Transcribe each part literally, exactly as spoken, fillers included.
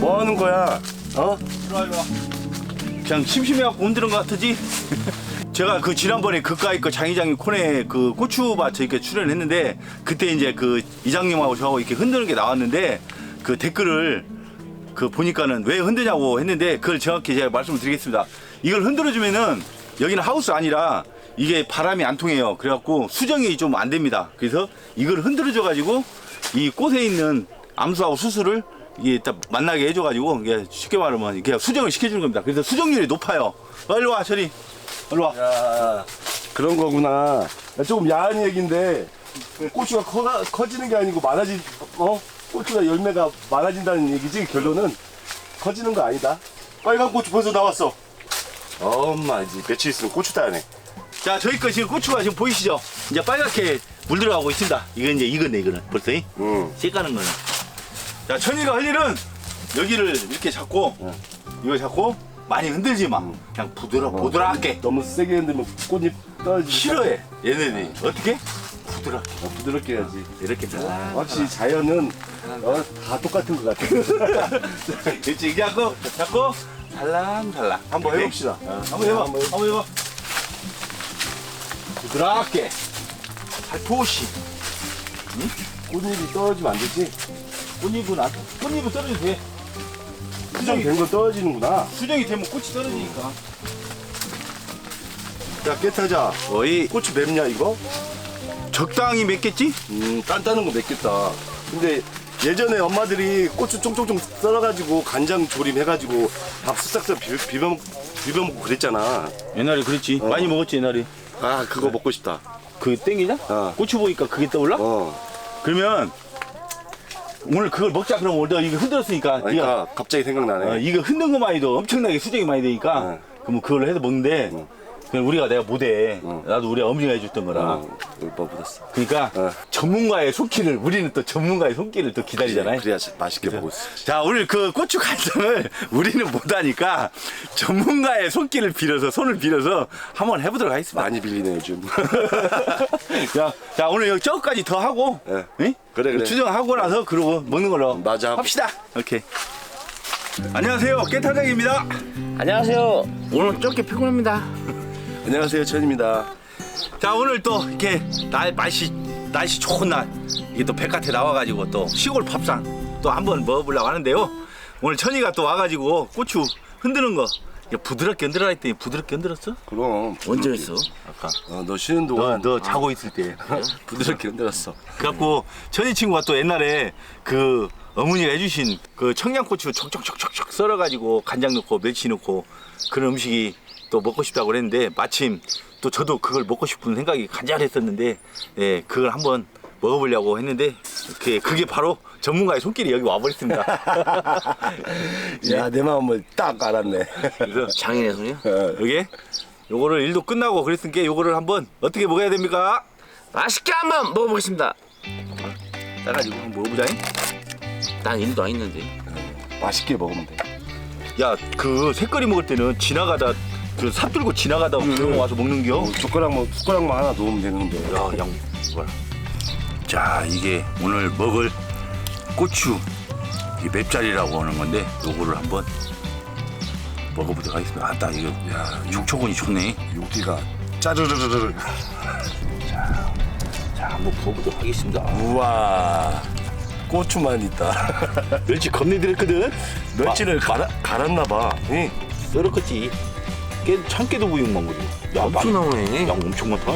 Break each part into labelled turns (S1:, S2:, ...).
S1: 뭐 하는 거야? 어?
S2: 일로와 일로와. 그냥 심심해갖고 흔드는 것 같으지? 제가 그 지난번에 그까이 그 장이장이 코너에 그 고추밭에 이렇게 출연했는데 그때 이제 그 이장님하고 저하고 이렇게 흔드는 게 나왔는데 그 댓글을 그 보니까는 왜 흔드냐고 했는데 그걸 정확히 제가 말씀을 드리겠습니다. 이걸 흔들어주면은 여기는 하우스 아니라 이게 바람이 안 통해요. 그래갖고 수정이 좀 안 됩니다. 그래서 이걸 흔들어줘가지고 이 꽃에 있는 암수하고 수수를 이게 딱 만나게 해줘가지고 이게 쉽게 말하면 이게 수정을 시켜주는 겁니다. 그래서 수정률이 높아요. 어, 일로 와, 저리. 일로 와.
S1: 야, 그런 거구나. 야, 조금 야한 얘기인데 고추가 커, 커지는 게 아니고 많아지, 어? 고추가 열매가 많아진다는 얘기지. 결론은 커지는 거 아니다. 빨간 고추 벌써 나왔어. 엄마 이제 며칠 있으면 고추 따네.
S2: 자, 저희 거 지금 고추가 지금 보이시죠? 이제 빨갛게 물들어가고 있습니다. 이건 이제 익었네, 이거는. 벌써.
S1: 응.
S2: 씨 까는 거는. 자, 천이가 할 일은 여기를 이렇게 잡고,
S1: 응.
S2: 이거 잡고, 많이 흔들지 마.
S1: 응.
S2: 그냥 부드러, 부드럽게.
S1: 너무 세게 흔들면 꽃잎 떨어지지.
S2: 싫어해, 얘네들이. 어떻게? 부드럽게.
S1: 어, 부드럽게 해야지.
S2: 이렇게 살랑.
S1: 확실히 자연은 어, 다 똑같은 것 같아.
S2: 그렇지, 이제 잡고, 잡고, 살랑살랑.
S1: 한번
S2: 이렇게.
S1: 해봅시다.
S2: 어, 한번 해봐,
S1: 한번
S2: 한번 해봐. 부드럽게. 살포시.
S1: 꽃잎이 떨어지면 안 되지?
S2: 꽃잎은 안, 꽃잎은 떨어져도 돼.
S1: 수정이 된 거 떨어지는구나.
S2: 수정이 되면 꽃이 떨어지니까.
S1: 야, 깨타자.
S2: 거의
S1: 고추 맵냐, 이거?
S2: 적당히 맵겠지?
S1: 음, 단단한 거 맵겠다. 근데 예전에 엄마들이 고추 쫑쫑쫑 썰어가지고 간장 조림 해가지고 밥 쓱싹쓱 비벼, 비벼, 비벼 먹고 그랬잖아.
S2: 옛날에 그랬지.
S1: 어.
S2: 많이 먹었지, 옛날에.
S1: 아, 그거 먹고 싶다.
S2: 그게 땡기냐?
S1: 어.
S2: 고추 보니까 그게 떠올라?
S1: 어.
S2: 그러면 오늘 그걸 먹자. 그러면 오늘 너 이거 흔들었으니까 네가
S1: 그러니까 갑자기 생각나네.
S2: 어, 이거 흔든 것만 해도 엄청나게 수정이 많이 되니까
S1: 어.
S2: 그럼 그걸로 해서 먹는데
S1: 어.
S2: 그냥 우리가 내가 못해.
S1: 어.
S2: 나도 우리 어머니가 해줬던 거라.
S1: 어, 뭐 묻었어.
S2: 그러니까
S1: 어.
S2: 전문가의 손길을 우리는 또 전문가의 손길을 또 기다리잖아요.
S1: 그래야 맛있게 먹을 수 있지.
S2: 자, 오늘 그 고추 간장을 우리는 못하니까 전문가의 손길을 빌어서 손을 빌어서 한번 해보도록 하겠습니다.
S1: 많이 빌리네 요즘.
S2: 자, 자 오늘 여기 저까지 더 하고,
S1: 네.
S2: 응?
S1: 그래, 그래.
S2: 추정하고 나서 그러고 먹는 걸로
S1: 맞아.
S2: 합시다. 오케이. 안녕하세요, 깨타장입니다.
S3: 안녕하세요. 오늘 쫓기 피곤합니다.
S1: 안녕하세요, 천입니다.
S2: 자, 오늘 또 이렇게 날 날씨 날씨 좋은 날 이게 또 백화태 나와가지고 또 시골 밥상 또 한번 먹어보려고 하는데요. 오늘 천이가 또 와가지고 고추 흔드는 거 이게 부드럽게 흔들어라 했더니 부드럽게 흔들었어?
S1: 그럼
S3: 언제 했어?
S2: 아까
S1: 어, 너 쉬는
S2: 너,
S1: 동안
S2: 너 자고 있을 때.
S1: 부드럽게 흔들었어.
S2: 그래갖고 천이 친구가 또 옛날에 그 어머니가 해주신 그 청양고추 촉촉촉촉촉 썰어가지고 간장 넣고 멸치 넣고 그런 음식이 또 먹고 싶다고 그랬는데 마침 또 저도 그걸 먹고 싶은 생각이 간절했었는데 예, 그걸 한번 먹어보려고 했는데 그게, 그게 바로 전문가의 손길이 여기 와버렸습니다.
S1: 야, 내 마음을 딱 알았네.
S2: 그래서
S3: 장인의 손이요?
S2: 여기 요거를 일도 끝나고 그랬으니까 요거를 한번 어떻게 먹어야 됩니까?
S3: 맛있게 한번 먹어보겠습니다.
S2: 따가지고 한번 먹어보자잉.
S3: 난 일도 안 있는데.
S1: 맛있게 먹으면 돼.
S2: 야, 그 색깔이 먹을 때는 지나가다 그 삽 들고 지나가다 그런 거 와서 먹는겨.
S1: 어, 숟가락만 숟가락만 하나 놓으면 되는데.
S2: 야, 양 이거라. 자, 이게 오늘 먹을 고추 이 맵자리라고 하는 건데 요거를 한번 먹어보도록 하겠습니다. 아따 이거 야 촉촉하니 좋네.
S1: 여기가 짜르르르르.
S2: 자, 한번 먹어보도록 하겠습니다.
S1: 우와. 고추만 있다.
S2: 멸치 겁내 들었거든.
S1: 멸치를 갈아, 갈았나 봐. 응.
S2: 썰었겠지. 깨 참깨도 부육만 거지. 야,
S3: 엄청 나오네.
S2: 양 엄청 많다.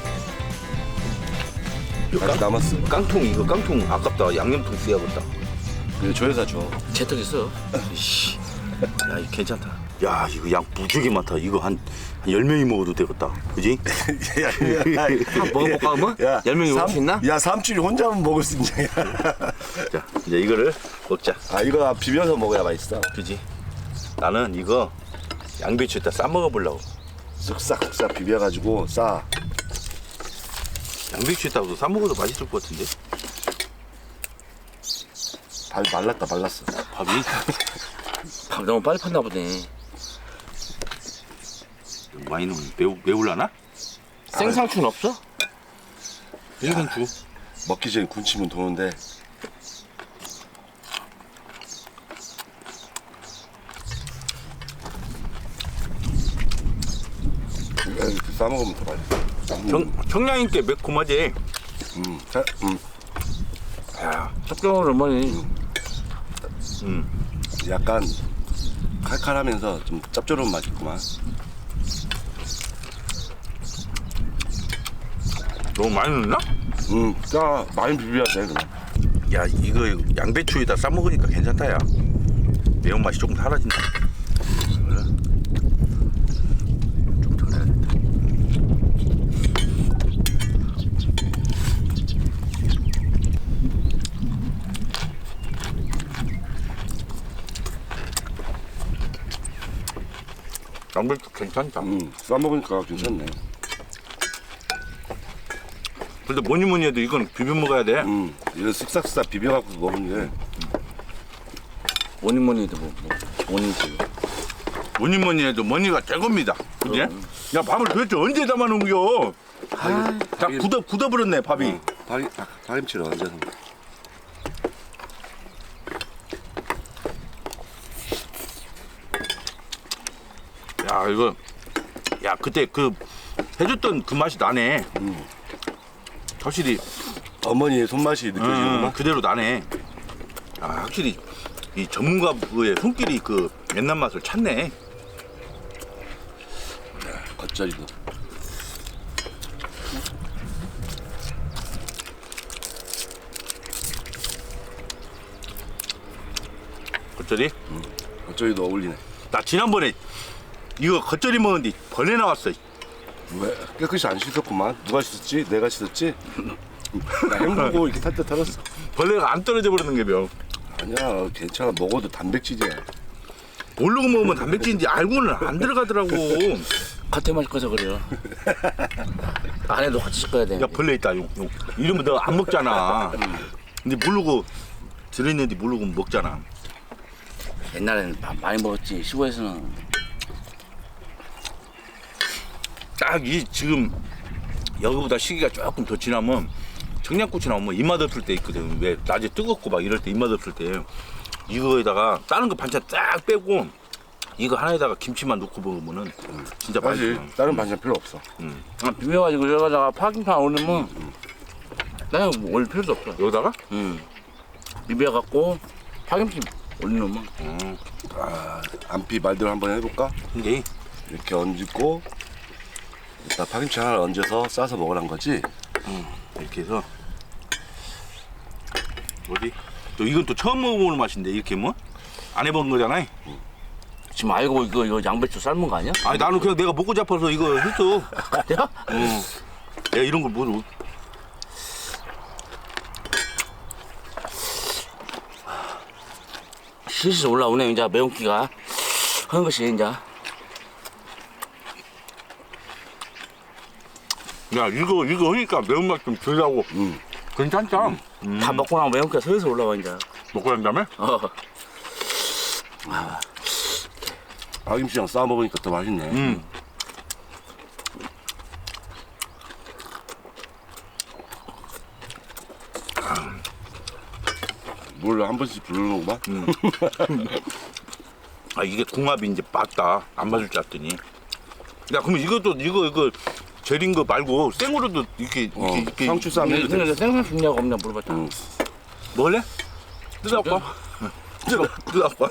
S1: 아직 남았어.
S2: 깡통 이거 깡통 아깝다. 양념통 쓰야겠다.
S1: 그래, 조여사 줘.
S3: 재턱 있어.
S2: 씨, 야, 이거 괜찮다. 야, 이거 양 무지개 많다. 이거 한 열 명이 먹어도 되겠다. 그지?
S1: 야, 야,
S3: 한번 먹어볼까 그러면?
S1: 야,
S3: 열 명이 먹을
S1: 삼-
S3: 수 있나?
S1: 야, 삼촌이 혼자만 먹을 수 있냐?
S2: 자, 이제 이거를 먹자.
S1: 아, 이거 비벼서 먹어야 맛있어.
S2: 그지? 나는 이거 양배추에다 싸 먹어보려고.
S1: 쓱싹쓱싹 비벼가지고 싸.
S2: 양배추에다가도 싸 먹어도 맛있을 것 같은데?
S1: 발 말랐다, 말랐어.
S2: 밥이?
S3: 밥 너무 빨리 팠나 보네.
S2: 많이 넣으면 매우, 매울라나?
S3: 생상추는 없어?
S2: 일간주.
S1: 먹기 전에 군침은 도는데. 싸 먹으면 더 맛있어.
S2: 청, 청량인께 매콤하지.
S1: 음, 자, 음,
S3: 야, 짭조름한 어머니.
S2: 음.
S1: 약간 칼칼하면서 좀 짭조름 맛있구만.
S2: 너무 많이 넣나?
S1: 음, 짜 많이 비벼야 돼 그냥.
S2: 야, 이거 양배추에다 싸 먹으니까 괜찮다, 야. 매운맛이 조금 사라진다. 좀 덜어야겠다. 양배추 괜찮다.
S1: 음, 싸 먹으니까 괜찮네.
S2: 근데 뭐니 뭐니 해도 이건 비벼 먹어야 돼.
S1: 음, 이거 쓱싹쓱싹 비벼갖고 먹으면 돼.
S3: 뭐니 뭐니 해도 뭐, 뭐 원인지.
S2: 뭐니 뭐니 해도 뭐니가 최고입니다. 그지? 야, 밥을 도대체 언제 담아놓은겨?
S3: 아,
S2: 다 굳어, 굳어버렸네, 밥이.
S1: 파김, 아, 파김치를 얹어서.
S2: 야, 이거. 야, 그때 그 해줬던 그 맛이 나네. 확실히
S1: 어머니의 손맛이
S2: 음,
S1: 느껴지는구나.
S2: 그대로 나네. 아, 확실히 이 전문가의 손길이 그 옛날 맛을 찾네.
S1: 겉절이도.
S2: 겉절이?
S1: 겉절이도 어울리네.
S2: 나 지난번에 이거 겉절이 먹었는데 벌레 나왔어.
S1: 왜? 깨끗이 안 씻었구만. 누가 씻었지? 내가 씻었지? 나 헹구고 이렇게 탈때 털었어.
S2: 벌레가 안 떨어져 버리는 게 명.
S1: 아니야, 괜찮아. 먹어도 단백질이야.
S2: 모르고 먹으면 단백질인지 알고는 안 들어가더라고.
S3: 겉에 맛이 꺼서 그래요. 안에도 같이 씻어야 돼.
S2: 야, 벌레 있다. 용, 용. 이러면 너 안 먹잖아. 근데 모르고 들어있는데 모르고 먹잖아.
S3: 옛날에는 밥 많이 먹었지. 시골에서는.
S2: 딱 이 지금 여기보다 시기가 조금 더 지나면 청양고추 나오면 입맛 없을 때 있거든. 왜 낮에 뜨겁고 막 이럴 때 입맛 없을 때 이거에다가 다른 거 반찬 딱 빼고 이거 하나에다가 김치만 넣고 먹으면은 진짜
S1: 사실
S2: 맛있어.
S1: 다른 반찬 필요 없어.
S3: 아, 비벼가지고 여기다가 파김치만 올리면 나는 뭐 올릴 필요도 없어.
S2: 여기다가
S3: 응. 비벼갖고 파김치 올리면
S1: 안피 말대로 한번 해볼까?
S2: 이게
S1: 이렇게 얹고 일단 파김치 하나 얹어서 싸서 먹으란 거지?
S2: 이렇게 해서 어디 또 이건 또 처음 먹어보는 맛인데 이렇게 뭐 안 해본 거잖아.
S3: 지금 알고 이거 이거 양배추 삶은 거 아니야?
S2: 아니 나는 그냥 내가 먹고 잡아서 이거 했어.
S3: 그래요?
S2: 어. 내가 이런 걸 모르.
S3: 슬슬 올라오네 이제 매운기가 하는 것이 이제.
S2: 야 이거 이거 하니까 매운맛 좀 덜하고
S1: 음.
S2: 괜찮다.
S3: 다 먹고 나면 매운기가 슬슬 올라와 이제.
S2: 먹고 난 다음에
S3: 어.
S1: 파김치랑 싸 먹으니까 더 맛있네.
S2: 음.
S1: 물 한 번씩 부르는구만.
S2: 아 이게 궁합이 이제 맞다. 안 맞을 줄 알았더니. 야 그럼 이것도 이거 이거 절인 거 말고 생으로도 이렇게
S1: 어,
S2: 이렇게 이렇게
S1: 상추 쌈 해도 돼.
S3: 근데 생선 죽냐고 없냐 물어봤잖아.
S1: 응.
S2: 먹을래? 뜯어갖고. 뜯어 뜯어갖고.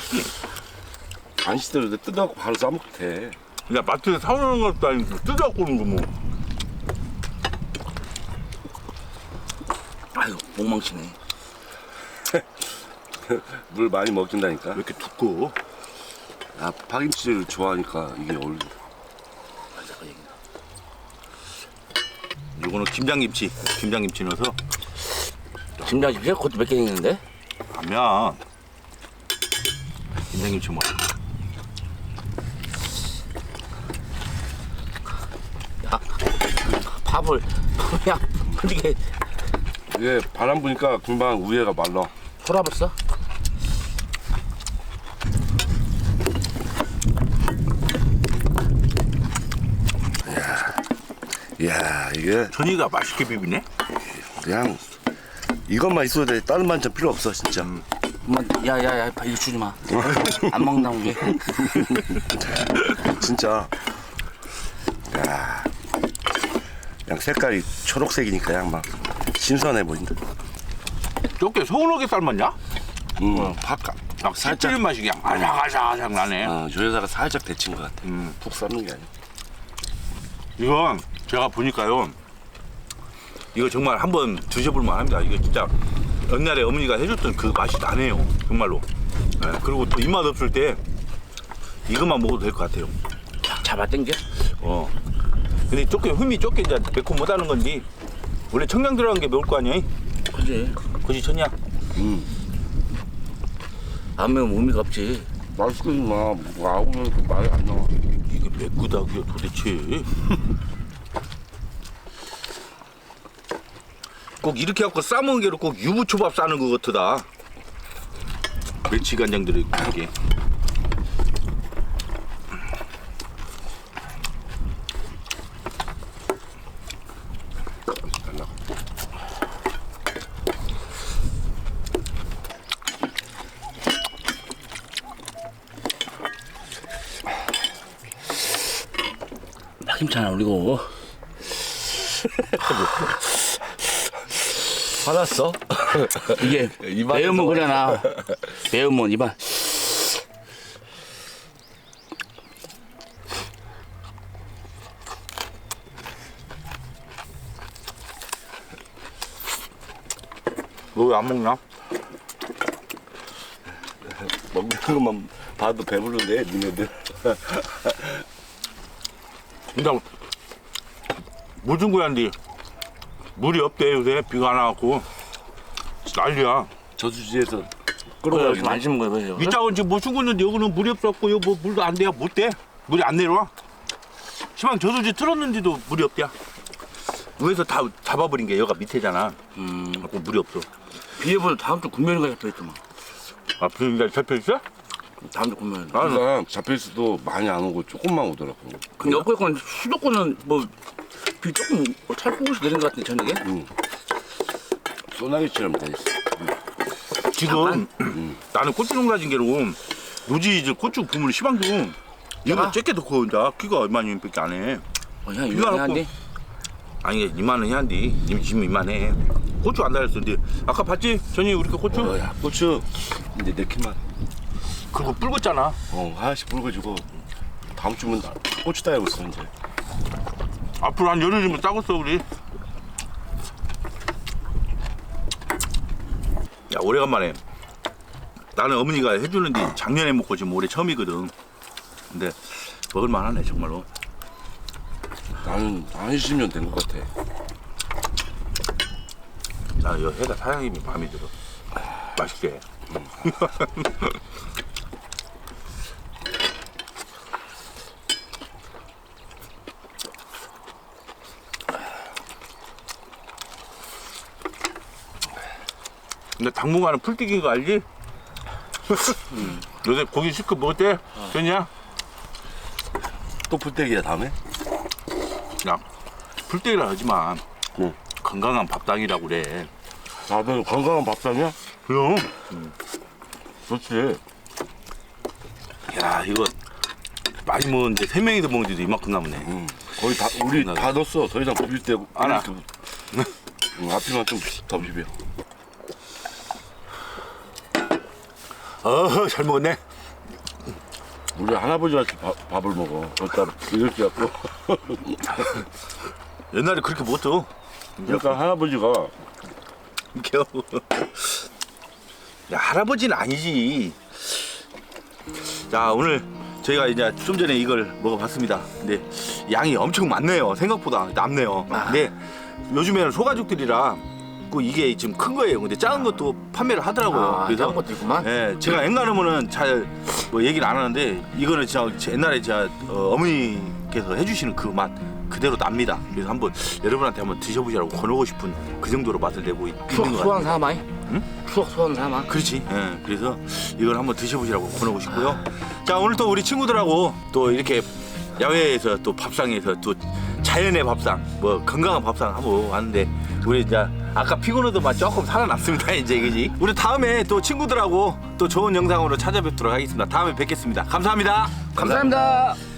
S1: 안 씻어도 돼. 뜯어갖고 바로 싸먹도 돼.
S2: 야 마트에서 사오는 것도 아니고 뜯어갖고 오는 거 뭐.
S3: 아이고 목망치네.
S1: 물 많이 먹긴다니까.
S2: 왜 이렇게 두꺼워?
S1: 아, 파김치를 좋아하니까 이게 어울린다.
S2: 이거는 김장김치. 김장김치 넣어서
S3: 김장김치 그것도 몇 개 있는데?
S2: 하면 김장김치 뭐.
S3: 야, 밥을 그냥 이렇게
S1: 이게 바람 부니까 금방 위에가 말라.
S3: 돌아봤어?
S1: 이야, 이게
S2: 전이가 맛있게 비비네.
S1: 그냥 이것만 있어도 돼. 다른 반찬 필요 없어, 진짜.
S3: 엄마, 야야야 이거 주지 마. 안 먹는다고 게.
S1: 진짜. 야. 그냥 색깔이 초록색이니까 그냥 막 신선해 보인다.
S4: 저게 서운하게 삶았냐?
S1: 음, 바깥.
S4: 막 살찌는 맛이 그냥 아삭아삭아삭 나네.
S1: 어, 저 여자가 살짝 데친 것 같아.
S4: 음.
S1: 푹 삶는 게 아니야.
S4: 이건 제가 보니까요. 이거 정말 한번 드셔볼 만합니다. 이거 진짜 옛날에 어머니가 해줬던 그 맛이 나네요. 정말로. 네, 그리고 또 입맛 없을 때 이것만 먹어도 될 것 같아요.
S3: 잡아 당겨.
S4: 어. 근데 조금 흠이 좁게 이제 매콤 못하는 건지 원래 청량 들어간 게 매울 거 아니야?
S3: 그지.
S4: 그지 쳤냐?
S3: 안 매우면 의미가 없지.
S1: 맛있겠지만 뭐 아우면 말이 안 나와.
S4: 이게 매끄다기야 도대체. 꼭 이렇게 갖고 싸먹은 게로 꼭 유부초밥 싸는 것 같다. 멸치 간장 들어있고 이게.
S3: 파김치 하나 올리고.
S1: 화났어?
S3: 이게
S1: 입안에서.
S3: 매우면 그래나. 매우면 입안.
S4: 너 왜 안 먹나?
S1: 먹는 것만 봐도 배부른데 니네들.
S4: 근데 무슨 거야인데 물이 없대 요새 비가 안 와갖고 난리야.
S1: 저수지에서
S3: 그래,
S1: 끌어가지고.
S3: 좀 안심은 거야, 그래서.
S4: 이 짝은 지금 뭐 죽었는데 여기는 물이 없었고 여기 뭐 물도 안 돼야 못 돼. 물이 안 내려와. 시방 저수지 틀었는데도 물이 없대야. 위에서 다 잡아버린 게 여기가 밑에잖아.
S3: 음,
S4: 그래갖고 물이 없어.
S3: 비해보다 다음 주 금요일인가 잡혀있더만.
S4: 아 비가 잡혀있어?
S3: 다음 주 금요일.
S4: 아,
S1: 그러니까 잡혀있어도 많이 안 오고 조금만 오더라고.
S3: 근데 어쨌건 수도권은 뭐, 비 조금 뭐 찰국에서 내린 것 같은데, 저녁에?
S1: 소나기처럼 돼 있어.
S4: 지금 나는 고추 농사진 게로 노지 이제 고추 부문 시방도 이거
S3: 야.
S4: 쬐게 넣고 이제 키가 얼마냐밖에 안 해.
S3: 어, 야,
S4: 비가
S3: 이거 한데?
S4: 아니 이만 원이 한디 님 지금 이만해. 고추 안 달렸었는데 아까 봤지? 전이 우리 그 고추
S1: 어, 야, 고추 이제 네 키만.
S4: 그거 붉었잖아.
S1: 어, 하나씩 붉어지고 다음 주면 나- 고추 따고 있어 이제.
S4: 앞으로 한 열흘이면 따겠어 우리. 야 오래간만에 나는 어머니가 해주는데 작년에 먹고 지금 올해 처음이거든. 근데 먹을만하네 정말로.
S1: 나는 한 이십 년 된 것 같아.
S4: 나는 여 해가 사장님이 마음에 들어. 맛있게. 근데 당분간은 풀떼기인 거 알지? 요새 고기 실컷 먹었대? 됐냐?
S1: 또 불떼기야 다음에?
S4: 야, 풀떼기라 하지만
S1: 응.
S4: 건강한 밥상이라고 그래.
S1: 다들 건강한 밥상이야?
S4: 그럼.
S1: 좋지.
S4: 야, 이거 많이 먹었는데 세 명이서 먹는데도 이만큼 남네.
S1: 응. 거의 다 우리
S4: 나-
S1: 다 넣었어. 더 이상 비빌 때
S4: 알아.
S1: 응, 앞에만 좀 더 비벼.
S4: 어, 잘 먹었네.
S1: 우리 할아버지 같이 밥, 밥을 먹어. 저 따로 이렇게 갖고.
S4: 옛날에 그렇게 먹었어.
S1: 그러니까 할아버지가
S4: 겨우. 야, 할아버지는 아니지. 자, 오늘 저희가 이제 좀 전에 이걸 먹어봤습니다. 근데 양이 엄청 많네요. 생각보다 남네요. 근데 요즘에는 소가죽들이라 그 이게 지금 큰 거예요. 근데 작은 것도 판매를 하더라고요.
S3: 아, 작은 것도 있구만.
S4: 예, 제가 앵간하면은 잘 뭐 얘기를 안 하는데 이거는 진짜 제 옛날에 제가 어, 어머니께서 해주시는 그 맛 그대로 납니다. 그래서 한번 여러분한테 한번 드셔보시라고 권하고 싶은 그 정도로 맛을 내고 있- 있는
S3: 추억
S4: 것
S3: 소환
S4: 같아요.
S3: 삼아. 응? 추억 소환 삼아.
S4: 그렇지. 예, 그래서 이걸 한번 드셔보시라고 권하고 싶고요. 자, 오늘 또 우리 친구들하고 또 이렇게 야외에서 또 밥상에서 또 자연의 밥상, 뭐 건강한 밥상 하고 왔는데 우리 이제 아까 피곤해도만 조금 살아났습니다. 이제 그지? 우리 다음에 또 친구들하고 또 좋은 영상으로 찾아뵙도록 하겠습니다. 다음에 뵙겠습니다. 감사합니다.
S3: 감사합니다.